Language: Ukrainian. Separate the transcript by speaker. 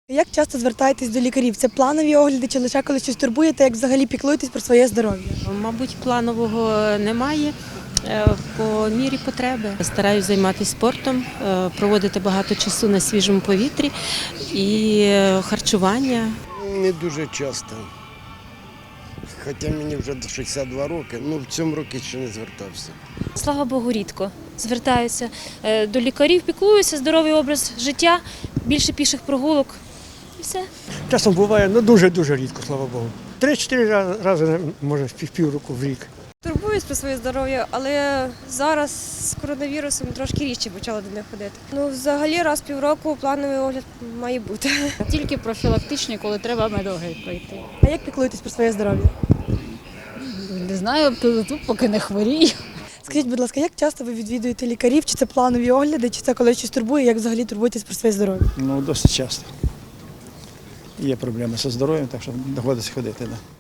Speaker 1: Як часто звертаєтесь до лікарів? Це планові огляди чи лише коли щось турбує, та як взагалі піклуєтесь про своє здоров'я?
Speaker 2: Мабуть, планового немає. По мірі потреби. Стараюсь займатися спортом, проводити багато часу на свіжому повітрі і харчування.
Speaker 3: Не дуже часто. Хоча мені вже 62 роки, в цьому році ще не звертався.
Speaker 4: Слава Богу, рідко звертаюся до лікарів, піклуюся, здоровий образ життя, більше піших прогулок і все.
Speaker 5: Часом буває, дуже-дуже рідко, слава Богу. 3-4 рази, може, в півроку в рік.
Speaker 6: Турбуюсь про своє здоров'я, але зараз з коронавірусом трошки рідше почала до них ходити. Взагалі раз в півроку плановий огляд має бути.
Speaker 7: Тільки профілактичні, коли треба медогляд пройти.
Speaker 1: А як піклуєтесь про своє здоров'я?
Speaker 7: Не знаю, тут поки не хворію.
Speaker 1: Скажіть, будь ласка, як часто ви відвідуєте лікарів? Чи це планові огляди, чи це коли щось турбує? Як взагалі турбуєтесь про своє здоров'я?
Speaker 5: Досить часто. Є проблеми зі здоров'ям, так що доводиться ходити. Да.